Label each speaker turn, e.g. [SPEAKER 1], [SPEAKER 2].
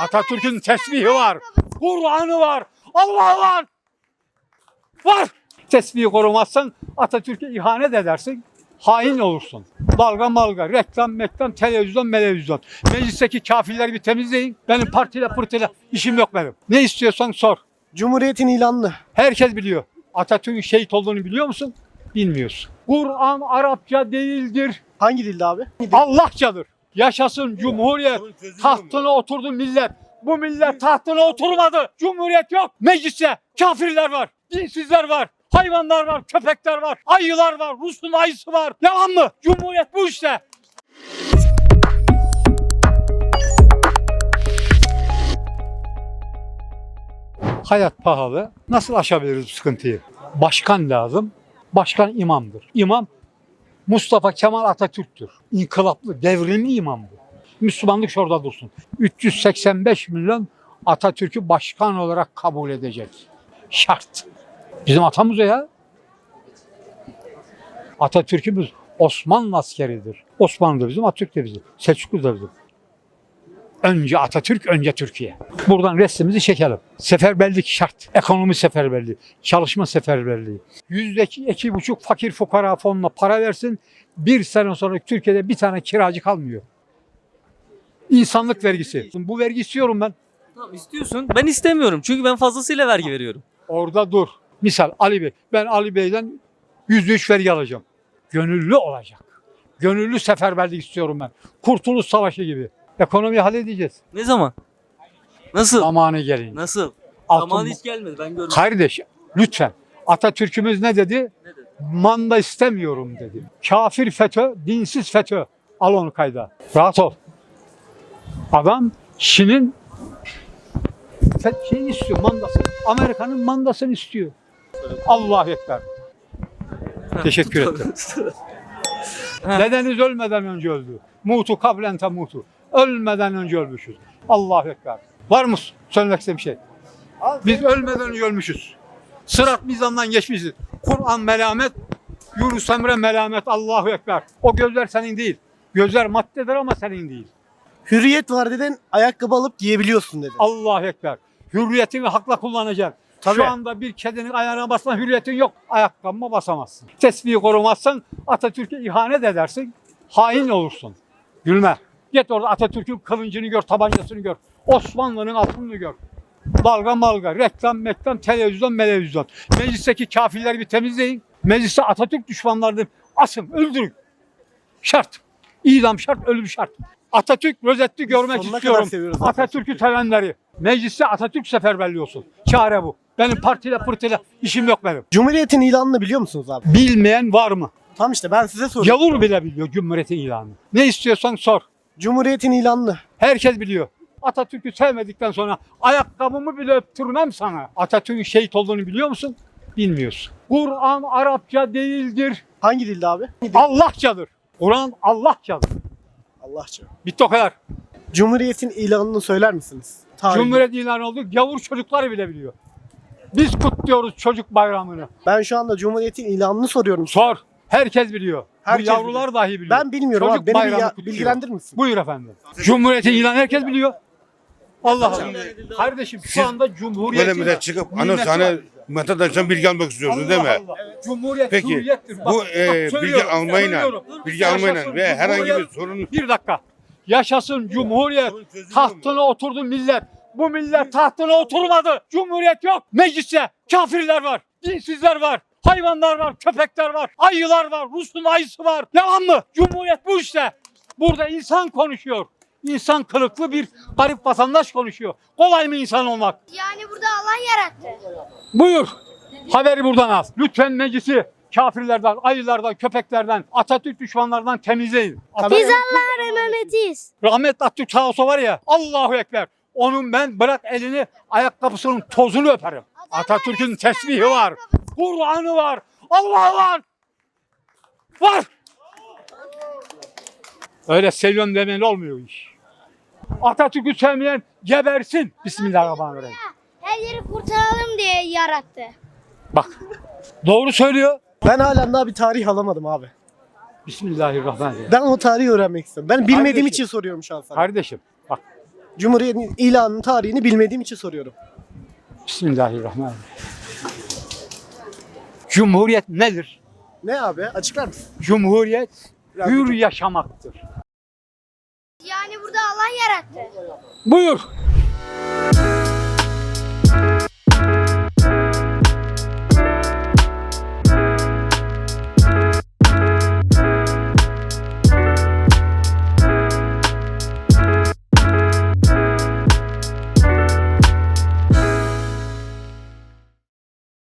[SPEAKER 1] Atatürk'ün tesbihi var. Kur'an'ı var. Allah var. Var. Tesbihi korumazsan Atatürk'e ihanet edersin. Hain olursun. Dalga malga, reklam, televizyon. Meclisteki kafirleri bir temizleyin. Benim partiyle pırtıyla işim yok benim. Ne istiyorsan sor.
[SPEAKER 2] Cumhuriyetin ilanını.
[SPEAKER 1] Herkes biliyor. Atatürk'ün şehit olduğunu biliyor musun? Bilmiyorsun. Kur'an Arapça değildir.
[SPEAKER 2] Hangi dilde abi?
[SPEAKER 1] Allahçadır. Yaşasın Cumhuriyet. Tahtına oturdu millet. Bu millet tahtına oturmadı. Cumhuriyet yok. Mecliste kafirler var. Dinsizler var. Hayvanlar var. Köpekler var. Ayılar var. Rus'un ayısı var. Yalan mı? Cumhuriyet bu işte. Hayat pahalı. Nasıl aşabiliriz bu sıkıntıyı? Başkan lazım. Başkan imamdır. İmam Mustafa Kemal Atatürk'tür. İnkılaplı, devrimli imam bu. Müslümanlık şurada dursun. 385 milyon Atatürk'ü başkan olarak kabul edecek. Şart. Bizim atamız o ya. Atatürk'ümüz Osmanlı askeridir. Osmanlı da bizim, Atatürk de bizim. Selçuklu da bizim. Önce Atatürk, önce Türkiye. Buradan resmimizi çekelim. Seferberlik şart. Ekonomi seferberliği, çalışma seferberliği. %2,5 fakir fukara fonuna para versin. Bir sene sonra Türkiye'de bir tane kiracı kalmıyor. İnsanlık vergisi. Bu vergi istiyorum ben.
[SPEAKER 3] Tamam istiyorsun. Ben istemiyorum. Çünkü ben fazlasıyla vergi veriyorum.
[SPEAKER 1] Orada dur. Misal Ali Bey. Ben Ali Bey'den %3 vergi alacağım. Gönüllü olacak. Gönüllü seferberlik istiyorum ben. Kurtuluş Savaşı gibi. Ekonomiyi halledeceğiz.
[SPEAKER 3] Ne zaman? Nasıl?
[SPEAKER 1] Zamanı gelince.
[SPEAKER 3] Nasıl?
[SPEAKER 1] Altın-
[SPEAKER 3] Zamanı hiç gelmedi. Ben görmedim.
[SPEAKER 1] Kardeş lütfen. Atatürk'ümüz ne dedi?
[SPEAKER 3] Ne dedi?
[SPEAKER 1] Manda istemiyorum dedi. Kafir FETÖ, dinsiz FETÖ. Al onu kayda. Rahat ol. Adam Çin'in şeyini istiyor, mandasını. Amerika'nın mandasını istiyor. Allahu Ekber. Teşekkür ederim. Dedeniz ölmeden önce öldü. Mutu kablen temutu. Ölmeden önce ölmüşüz. Allahu Ekber. Var mı söylemek istediğim bir şey? Biz ölmeden önce ölmüşüz. Sırat mizandan geçmişiz. Kur'an melamet, Yunus Emre melamet. Allahu Ekber. O gözler senin değil. Gözler maddedir ama senin değil.
[SPEAKER 2] Hürriyet var dedin, ayakkabı alıp giyebiliyorsun dedin.
[SPEAKER 1] Allahu Ekber. Hürriyetini hakla kullanacaksın.
[SPEAKER 2] Tabii.
[SPEAKER 1] Şu anda bir kedinin ayağına basma hürriyetin yok. Ayakkabıma basamazsın. Tesbihi korumazsan Atatürk'e ihanet edersin. Hain olursun. Gülme. Git orada Atatürk'ün kılıncını gör, tabancasını gör. Osmanlı'nın altını gör. Dalga malga, reklam, televizyon. Meclisteki kafirleri bir temizleyin. Mecliste Atatürk düşmanlarını asın, öldürün. Şart. İdam şart, ölüm şart. Atatürk rozetli görmek
[SPEAKER 2] sonuna kadar
[SPEAKER 1] istiyorum.
[SPEAKER 2] seviyoruz
[SPEAKER 1] Atatürk'ü sevenleri. Mecliste Atatürk seferberliği olsun. Çare bu. Benim partiyle pırtıyla işim yok benim.
[SPEAKER 2] Cumhuriyetin ilanını biliyor musunuz abi?
[SPEAKER 1] Bilmeyen var mı?
[SPEAKER 2] Tam işte ben size soruyorum.
[SPEAKER 1] Yavur bile biliyor Cumhuriyet'in ilanını. Ne istiyorsan sor.
[SPEAKER 2] Cumhuriyetin ilanını.
[SPEAKER 1] Herkes biliyor. Atatürk'ü sevmedikten sonra ayakkabımı bile öptürmem sana. Atatürk'ün şehit olduğunu biliyor musun? Bilmiyorsun. Kur'an Arapça değildir.
[SPEAKER 2] Hangi dilde abi?
[SPEAKER 1] Allahçadır. Kur'an Allahçadır.
[SPEAKER 2] Allahça.
[SPEAKER 1] Bitti o kadar.
[SPEAKER 2] Cumhuriyetin ilanını söyler misiniz? Tarihini.
[SPEAKER 1] Cumhuriyet ilanı oldu. Gavur çocukları bile biliyor. Biz kutluyoruz çocuk bayramını.
[SPEAKER 2] Ben şu anda Cumhuriyetin ilanını soruyorum.
[SPEAKER 1] Sor. Herkes biliyor.
[SPEAKER 2] Herkes
[SPEAKER 1] Bu yavrular
[SPEAKER 2] biliyor.
[SPEAKER 1] dahi biliyor.
[SPEAKER 2] Ben bilmiyorum
[SPEAKER 1] Çocuk
[SPEAKER 2] abi. Beni
[SPEAKER 1] bayramı kutluyor.
[SPEAKER 2] bilgilendirir misin?
[SPEAKER 1] Buyur efendim. Cumhuriyetin ilanı herkes biliyor. Allah Allah. Kardeşim şu anda Cumhuriyet
[SPEAKER 4] Böyle millet çıkıp hani vatandaştan bilgi almak istiyorsun değil mi?
[SPEAKER 1] Cumhuriyet
[SPEAKER 4] Peki,
[SPEAKER 1] hürriyettir. Bak,
[SPEAKER 4] bu
[SPEAKER 1] bak,
[SPEAKER 4] bilgi
[SPEAKER 1] söylüyorum,
[SPEAKER 4] almayla,
[SPEAKER 1] söylüyorum.
[SPEAKER 4] bilgi almayla
[SPEAKER 1] Yaşasın
[SPEAKER 4] ve herhangi bir
[SPEAKER 1] Cumhuriyet.
[SPEAKER 4] sorun
[SPEAKER 1] Bir dakika. Yaşasın Cumhuriyet. Tahtına oturdu millet. Bu millet tahtına oturmadı. Cumhuriyet yok. Mecliste kafirler var. Dinsizler var. Hayvanlar var. Köpekler var. Ayılar var. Rus'un ayısı var. Yalan mı? Cumhuriyet bu işte. Burada insan konuşuyor. İnsan kılıklı bir garip vatandaş konuşuyor. Kolay mı insan olmak?
[SPEAKER 5] Yani burada Allah yarattı.
[SPEAKER 1] Buyur. Haberi buradan al. Lütfen meclisi kafirlerden, ayılardan, köpeklerden, Atatürk düşmanlarından temizleyin.
[SPEAKER 5] Biz Allah'ın emanetiyiz.
[SPEAKER 1] Rahmetli Atatürk sağ olsa var ya, Allahu Ekber. Onun ben bırak elini ayakkabısının tozunu öperim. Atatürk'ün tesbihi var. Kur'an'ı var. Allah var. Var. Öyle seviyorum demeyle olmuyor iş. Atatürk'ü sevmeyen gebersin. Bismillahirrahmanirrahim.
[SPEAKER 5] Her yeri kurtaralım diye yarattı.
[SPEAKER 1] Bak. Doğru söylüyor.
[SPEAKER 2] Ben halen daha bir tarih alamadım abi.
[SPEAKER 1] Bismillahirrahmanirrahim.
[SPEAKER 2] Ben o tarihi öğrenmek istiyorum. Ben bilmediğim
[SPEAKER 1] Kardeşim.
[SPEAKER 2] için soruyorum şu an sana.
[SPEAKER 1] Kardeşim bak.
[SPEAKER 2] Cumhuriyetin ilanının tarihini bilmediğim için soruyorum.
[SPEAKER 1] Bismillahirrahmanirrahim. Cumhuriyet nedir?
[SPEAKER 2] Ne abi? Açıklar mısın?
[SPEAKER 1] Cumhuriyet
[SPEAKER 2] Biraz
[SPEAKER 1] hür
[SPEAKER 2] lütfen.
[SPEAKER 1] yaşamaktır.
[SPEAKER 5] Yani burada Allah yarattı.
[SPEAKER 1] Buyur.